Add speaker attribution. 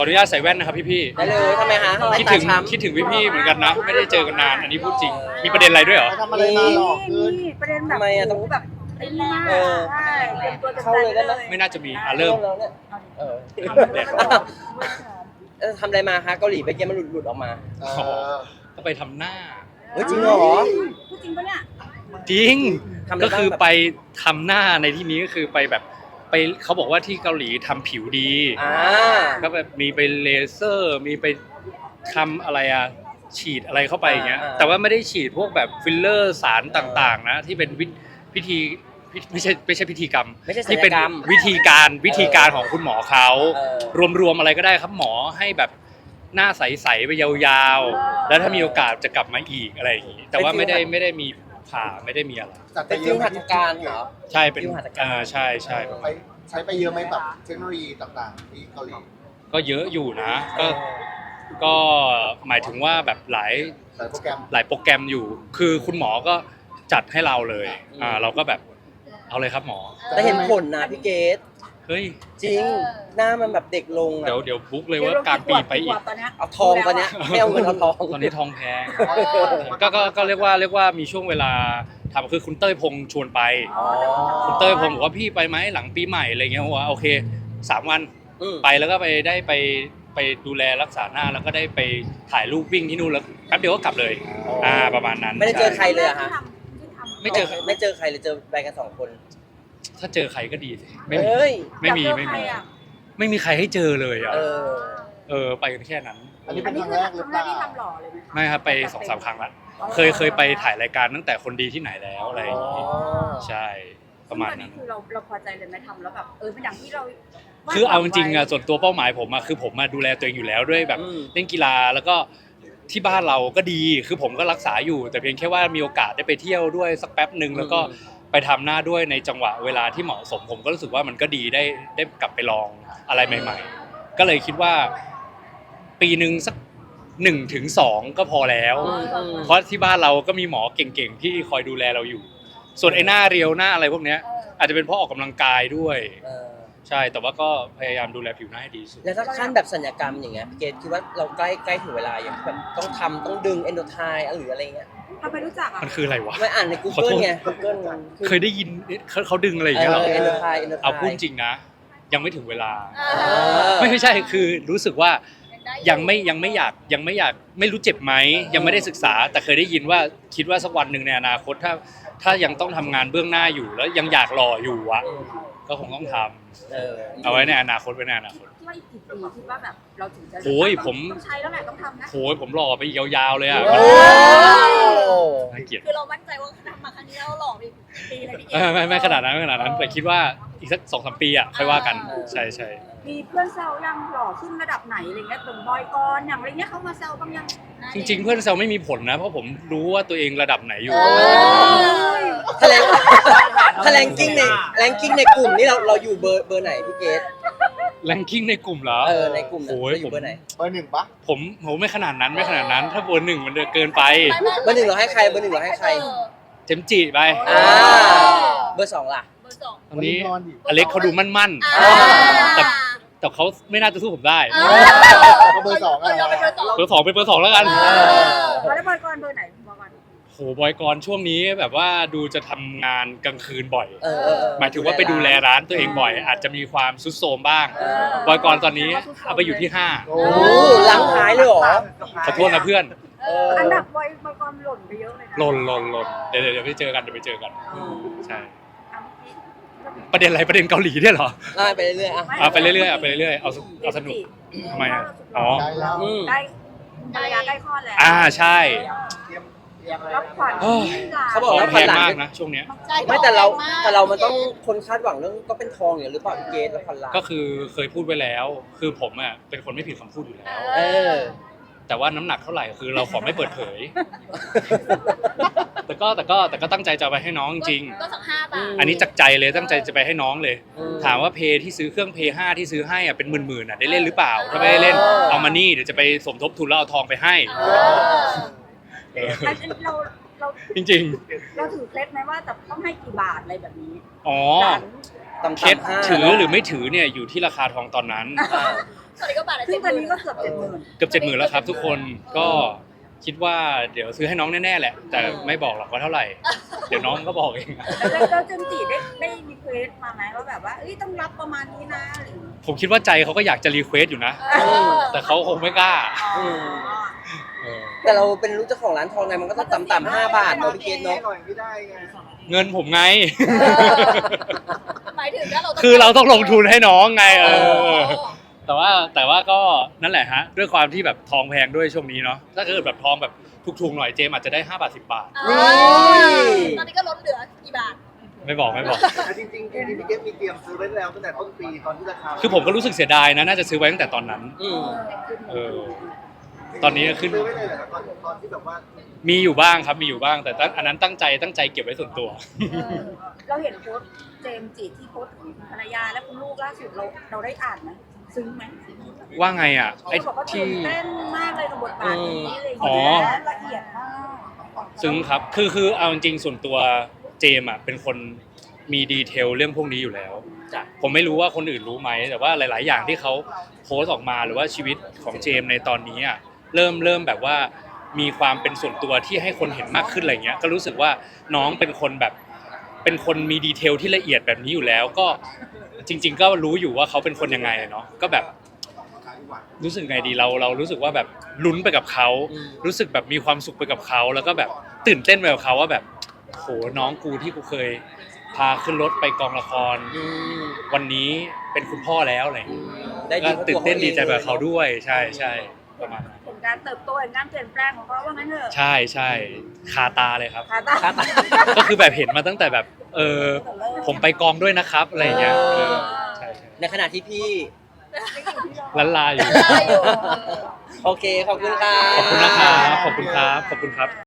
Speaker 1: ขออนุญาตใส่แว่นนะครับพี่
Speaker 2: ได้เลยทำไมฮะ
Speaker 1: ๆคิดถึงพี่ๆเหมือนกันนะ ไม่ได้เจอกันนานอันนี้พูดจริงมีประเด็นอะไรด้วยเหรอ
Speaker 3: ทำอะไรมาหรอกคือ
Speaker 4: นี่ประเด็นแบบ
Speaker 2: ทำไมอะต้อง
Speaker 4: แบบไอ้นี่มากใช่เตรียมตัวจะ
Speaker 2: เข้าเลยได้ไหม
Speaker 1: ไม่น่าจะมีเริ่ม
Speaker 2: แล้วเนี่ยเออ
Speaker 1: แดด
Speaker 2: ทำอะไรมาฮะเกาหลีไปเกมมันหลุดออกมา
Speaker 3: เออ
Speaker 1: ก็ไปทำหน้า
Speaker 2: เฮ้ยจริงเหรอ
Speaker 4: พูดจริงปะเนี่ย
Speaker 1: จริง
Speaker 2: ทำอะไรบ้าง
Speaker 1: ก็คือไปทำหน้าในที่นี้ก็คือไปแบบไปเขาบอกว่าที่เกาหลีทำผิวดี
Speaker 2: อ่า
Speaker 1: ก็แบบมีไปเลเซอร์มีไปทำอะไรอะฉีดอะไรเข้าไปอย่างเงี้ยแต่ว่าไม่ได้ฉีดพวกแบบฟิลเลอร์สารต่างๆนะที่เป็นพิธีไม่ใช่พิธีกรรม
Speaker 2: ไม่ใช่ศัล
Speaker 1: ที่
Speaker 2: ย
Speaker 1: เป็น
Speaker 2: กรรม
Speaker 1: วิธีการของคุณหมอเขา
Speaker 2: เออ
Speaker 1: รวมๆอะไรก็ได้ครับหมอให้แบบหน้าใสๆไปยาวๆแล้วถ้ามีโอกาสจะกลับมาอีกอะไรอย่างงี้แต่ว่าไม่ได้มีผ่าไม่ได้มีอะไร
Speaker 3: จัดไป
Speaker 2: เป็น
Speaker 3: เย
Speaker 2: ฟิว
Speaker 3: อะไหม
Speaker 2: หัตถการเหรอ
Speaker 1: ใช่เป็น
Speaker 2: ฟิวหัตถการ
Speaker 1: ใช่ประ
Speaker 3: ไป
Speaker 1: มาณ
Speaker 3: ใช้ไปเยอะไหมแบบเทคโนโลยีต่างๆที่เกาหลี
Speaker 1: ก็เยอะอยู่นะก็หมายถึงว่าแบบหลาย
Speaker 3: ใส่โปรแกรม
Speaker 1: โปรแกรมอยู่ คือคุณหมอก็จัดให้เราเลยเราก็แบบเอาเลยครับหมอ
Speaker 2: แต่เห็นผลนะพี่เกด
Speaker 1: เฮ้ย
Speaker 2: จริงหน้ามันแบบเด็กลงอะ
Speaker 1: เดี๋ยวบุ๊กเลยว่ากลางปีไปอีก
Speaker 4: ตอนเนี้ย
Speaker 2: เอาทองตอนเนี้ยไม่เอาเงินเอาทอง
Speaker 1: ตอนนี้ทองแพงก็เรียกว่ามีช่วงเวลาทำคือคุณเต้ยพงษ์ชวนไป
Speaker 2: อ๋อ
Speaker 1: คุณเต้ยพงษ์บอกว่าพี่ไปไหมหลังปีใหม่อะไรเงี้ยว่าโอเค3 วัน
Speaker 2: อืม
Speaker 1: ไปแล้วก็ไปดูแลรักษาหน้าแล้วก็ได้ไปถ่ายรูปวิ่งที่นู่นแล้วแป๊บเดียวก็กลับเลยประมาณนั้น
Speaker 2: ไม่ได้เจอใครเลยอะฮะ
Speaker 1: ไม่เจอ
Speaker 2: ไม่เจอใครเลยเจอไปกัน2 คน
Speaker 1: ถ้าเจอใครก็ดีสิ
Speaker 2: เฮ้ย
Speaker 1: ไม่มีใครให้เจอเลยอ่ะ
Speaker 2: เออ
Speaker 1: ไปกันแค่นั้น
Speaker 3: อันนี้
Speaker 4: อั
Speaker 3: เป็น น
Speaker 4: นี้
Speaker 3: ครั้ง
Speaker 4: คือ
Speaker 3: แรกหรือเปล่า
Speaker 4: ครั้งแรกที่ทำหล่อเลยไหมคะ
Speaker 1: ไม่ครับไป2-3 ครั้งละเคยไปถ่ายรายการตั้งแต่คนดีที่ไหนแล้วอะไรอย่างงี้ใช่ประมาณนั้น
Speaker 4: คือเราพอใจเลยไหมทำแล้วแบบเป็นอย่างที่เรา
Speaker 1: คือเอาจริงๆอะส่วนตัวเป้าหมายผมอะคือผมมาดูแลตัวเองอยู่แล้วด้วยแบบ
Speaker 2: อืม
Speaker 1: เล่นกีฬาแล้วก็ที่บ้านเราก็ดีคือผมก็รักษาอยู่ แต่เพียงแค่ว่ามีโอกาสได้ไปเที่ยวด้วยสักแป๊บหนึ่งแล้วก็ไปทำหน้าด้วยในจังหวะเวลาที่เหมาะสมผมก็รู้สึกว่ามันก็ดีได้กลับไปลองอะไรใหม่ ๆ ก็เลยคิดว่าปีหนึ่งสัก1-2ก็พอแล้ว เพราะที่บ้านเราก็มีหมอเก่งๆที่คอยดูแลเราอยู่ ส่วนไอ้หน้าเรียวหน้าอะไรพวกเนี้ยอาจจะเป็นเพราะออกกำลังกายด้วย
Speaker 2: เออ
Speaker 1: ใช่แต่ว่าก็พยายามดูแลผิวหน้าให้ดีที่สุด
Speaker 2: แล้วถ้าขั้นแบบสัญญกรรมอย่างเงี้ยพี่เกดคิดว่าเราใกล้ถึงเวลาอย่างแบบต้องดึงเอนโดไทหรืออะไรเงี้ย
Speaker 4: ทำไมรู้จักอ่ะ
Speaker 1: มันคืออะไรวะ
Speaker 2: ไม่อ่านใน
Speaker 1: ขอโท
Speaker 2: Google
Speaker 1: ษ
Speaker 2: ไง Google มัน
Speaker 1: เคยได้ยินเขาดึงอะไรอย่างเงี้ยเหรอ
Speaker 2: เอนโดไท
Speaker 1: เอาพูดจริงนะ ยังไม่ถึงเวลา
Speaker 2: อ
Speaker 1: ไม่ใช่คือรู้สึกว่ายังไม่อยากไม่รู้เจ็บไหมยังไม่ได้ศึกษา แต่เคยได้ยินว่าคิดว่าสักวันหนึ่งในอนาคตถ้ายังต้องทำงานเบื้องหน้าอยู่แล้วยังอยากหล่ออยู่อะก็คงต้องทำเอาไว้ในอนาคตคิด
Speaker 4: คิดว่าอีกกี่ปีคิดว่าแบบเราถึงจะ
Speaker 1: โอ้ยผม
Speaker 4: ต้องใช้แล้วแหละต้องทำนะ
Speaker 1: โหยผมหล่อไปอีกยาวๆเลยอะ
Speaker 2: โอ้
Speaker 1: น่าเกลียด
Speaker 5: คือเรามั่นใจว่าทำมาครั้งนี้เราหล่อไปอีกปีเลยพี่เกด
Speaker 1: ไม่ขนาดนั้นแต่คิดว่าอีกสัก2-3 ปีอะค่อยว่ากันใช่
Speaker 4: มีเพื่อนแซวยังหล่อขึ้นระดับไหนอะไรเงี้ยตรงบอยกรอย่างอะไรเงี้ยเขามาแซวบ้างยัง
Speaker 1: จริงๆเพื่อนแซวไม่มีผลนะเพราะผมรู้ว่าตัวเองระดับไหนอยู่
Speaker 2: ถ้าแรงกิ้งในกลุ่มนี่เราอยู่เบอร์ไหนพี่เกด
Speaker 1: แรงกิ้งในกลุ่มเหรอ
Speaker 2: ในกลุ่ม
Speaker 1: โอ้ย
Speaker 2: เราอยู่เบอร์ไหน
Speaker 3: เบอร์ 1ปะ
Speaker 1: ผมไม่ขนาดนั้นถ้าเบอร์ 1มันเกินไป
Speaker 2: เบอร์ 1เราให้ใครเบอร์ 1เราให้ใคร
Speaker 1: เจมจิไป
Speaker 2: อ่าเบอร์ 2ล่ะ
Speaker 5: เบอร์สอง
Speaker 1: ตอนนี้
Speaker 3: นอนดิ
Speaker 1: อเล็กเขาดูมั่น
Speaker 5: อ่า
Speaker 1: แต่เขาไม่น่าจะสู้ผมได้
Speaker 3: ก็เบอร์ 2
Speaker 5: เราเป็นเบอร์สอง
Speaker 1: เบอร์ 2เป็นเบอร์ 2แล้วกัน
Speaker 4: แล้วบอยกรเบอร์ไหนบอกก่อน
Speaker 1: โหบอยกรช่วงนี้แบบว่าดูจะทำงานกลางคืนบ่อย หมายถึงว่าไปดูแลร้านตัวเองบ่อย อาจจะมีความซุดโทรมบ้าง บอยกรตอนนี้เอาไปอยู่ที่
Speaker 3: โอ้
Speaker 2: โอ้ล้างท้ายเลยเหรอ
Speaker 1: 5ขอโทษนะเพื่อน
Speaker 4: อันดับบอยกรหล่นไปเยอะเลยนะ
Speaker 1: หล่นเดี๋ยวไปเจอกันใช่
Speaker 4: อ่ะเมื่อกี้
Speaker 1: ประเด็นอะไรประเด็นเกาหลีเนี่ยเหรอ
Speaker 2: ได้ไปเรื่อยๆอ่ะ
Speaker 1: เอาไปเรื่อยๆเอาสนุกทำไมอะอ๋อ
Speaker 3: ได้แล้ว
Speaker 4: ใกล้ภรรยาใกล้คลอดแล้ว
Speaker 1: ใช่
Speaker 3: เตรียมอะไร
Speaker 4: รับขวัญ
Speaker 1: โอ้ย
Speaker 2: เขาบอกว่า
Speaker 1: แพงมากนะช่วงเนี้ย
Speaker 5: ใช่
Speaker 2: ไม่แต่เรามันต้องคนคาดหวังเรื่องก็เป็นทองอย่างหรือเปล่าพี่เกดแล้วพันล้าน
Speaker 1: ก็คือเคยพูดไว้แล้ว คือผมอ่ะเป็นคนไม่ผิดคำพูดอยู่แล้ว
Speaker 2: เออ
Speaker 1: แต่ว่าน้ำหนักเท่าไหร่คือเราขอไม่เปิดเผย แต่ก็ตั้งใจจะเอาไปให้น้องจริง
Speaker 5: ก็สัก5 บาท
Speaker 1: อันนี้จากใจเลยตั้งใจจะไปให้น้องเลย
Speaker 2: อืม
Speaker 1: ถามว่าเพย์ที่ซื้อเครื่องเพย์5ที่ซื้อให้อ่ะเป็นหมื่นๆอ่ะได้เล่นหรือเปล่า ถ้าไม่ได้เล่นเอามานี่เดี๋ยวจะไปสมทบทุนแล้วเอาทองไปให้
Speaker 4: อันนี้เรา
Speaker 1: จริง
Speaker 4: เราถือเคล็ดไหมว่าจะต้องให้กี่บาทอะไรแบบนี้
Speaker 1: ๆอ๋อ
Speaker 4: หลาน
Speaker 2: ต่ำๆ
Speaker 1: เคส
Speaker 2: 5
Speaker 1: ถือหรือไม่ถือเนี่ยอยู่ที่ราคาทองตอนนั้น
Speaker 2: อ่า
Speaker 5: ตอนนี้ก็บาทละ
Speaker 4: ซึ่งตอนนี้ก็
Speaker 5: 70,000
Speaker 4: เกือบ70,000
Speaker 1: เกือบ70,000แล้วครับทุกคนก็คิดว่าเดี๋ยวซื้อให้น้องแน่ๆแหละ แต่ไม่บอกหรอกว่าเท่าไหร่ เดี๋ยวน้องก็บอกเอง
Speaker 4: แล้วเจมส์จีได้รีเควสมาไหมว่าแบบว่าเอ้ยต้องรับประมาณนี้นะอะไรอย่างเงี้ย
Speaker 1: ผมคิดว่าใจเขาก็อยากจะรีเควสอยู่นะ แต่เขาคงไม่กล้า
Speaker 4: อ๋อ
Speaker 1: เออ
Speaker 2: แต่เราเป็นลูกเจ้าของร้านทองไงมันก็ต้องต่ำๆ5 บาทเนาะพี่เกดเนาะ
Speaker 3: หน่อยไม่ได้ไง
Speaker 1: เงินผมไง
Speaker 5: หมายถึงถ้าเรา
Speaker 1: คือเราต้องลงทุนให้น้องไง
Speaker 5: อ
Speaker 1: เอ
Speaker 5: ๋อ
Speaker 1: อ แต่ว่าก็นั่นแหละฮะ ด้วยความที่แบบทองแพงด้วยช่วงนี้เนาะถ้าเกิดแบบทองแบบถูกๆหน่อยเจมอาจจะได้5 บาท 10 บาท
Speaker 5: ตอนนี้ก็ลดเหลือกี่บาท
Speaker 1: ไม่บอก
Speaker 3: แต่จริงๆพี่เกมมีเตรียมซื้อไว้แล้วตั้งแต่ต้นปีตอนที่ราคา
Speaker 1: คือผมก็รู้สึกเสียดายนะน่าจะซื้อไว้ตั้งแต่ตอนนั้น เออ ตอนนี้ขึ้น
Speaker 3: ซื้อไว้เลยเหรอตอนที่แบบว่า
Speaker 1: มีอยู่บ้างครับมีอยู่บ้าง แต่อันนั้นตั้งใจเก็บไว้ส่วนตัว
Speaker 4: เราเห็นโพสต์เจมส์จีที่โพสต์ถึงภรรยาและคุณลูกล่าสุดเราได้อ่านไหมซึ้งไหม
Speaker 1: ว่าไงอ่ะไอ้
Speaker 4: เขาบอกว่าตื่
Speaker 1: ที่
Speaker 4: นเต้นมากเลยกับบทบาทนี้อะไรอย่าง
Speaker 1: อ๋อ
Speaker 4: เงี้ยละเอียดมาก
Speaker 1: ซึ้งครับ คือเอาจริงๆส่วนตัวเจมอ่ะเป็นคนมีดีเทลเรื่องพวกนี้อยู่แล้ว ผมไม่รู้ว่าคนอื่นรู้ไหม แต่ว่าหลายๆ อย่างที่เขาโพสต์ออกมาหรือว่าชีวิตของเจมในตอนนี้อ่ะเริ่มแบบว่ามีความเป็นส่วนตัวที่ให้คนเห็นมากขึ้นอะไรเงี้ย ก็รู้สึกว่าน้องเป็นคนแบบเป็นคนมีดีเทลที่ละเอียดแบบนี้อยู่แล้ว ก็จริง ๆ ก็รู้อยู่ว่าเขาเป็นคนยังไงเนาะ ก็แบบรู้สึกไงดีเรารู้สึกว่าแบบลุ้นไปกับเขารู้สึกแบบมีความสุขไปกับเขาแล้วก็แบบตื่นเต้นไปกับเขาว่าแบบโหน้องกูที่กูเคยพาขึ้นรถไปกองละคร วันนี้เป็นคุณพ่อแล้วอะไรอย่างเงี้ย
Speaker 2: ได้
Speaker 1: ก็
Speaker 2: ดี
Speaker 1: ตื่นเต้นดีใจแบบเขาด้วยใช่ประมาณนั้น
Speaker 4: เห็นการเติบโตเห็นการเปลี่ยนแปลงของเขาว่างั้นเถอะ
Speaker 1: ใช่คาตาเลยครับ
Speaker 4: ขาตา
Speaker 1: ก็คือแบบเห็นมาตั้งแต่แบบผมไปกองด้วยนะครับอะไรอย่างเงี้ยใช่
Speaker 2: ในขณะที่พี่
Speaker 1: ลันลาอยู่
Speaker 5: ได้อยู่
Speaker 2: โอเคขอบคุณค่ะ
Speaker 1: ขอบคุณนะครับขอบคุณครับ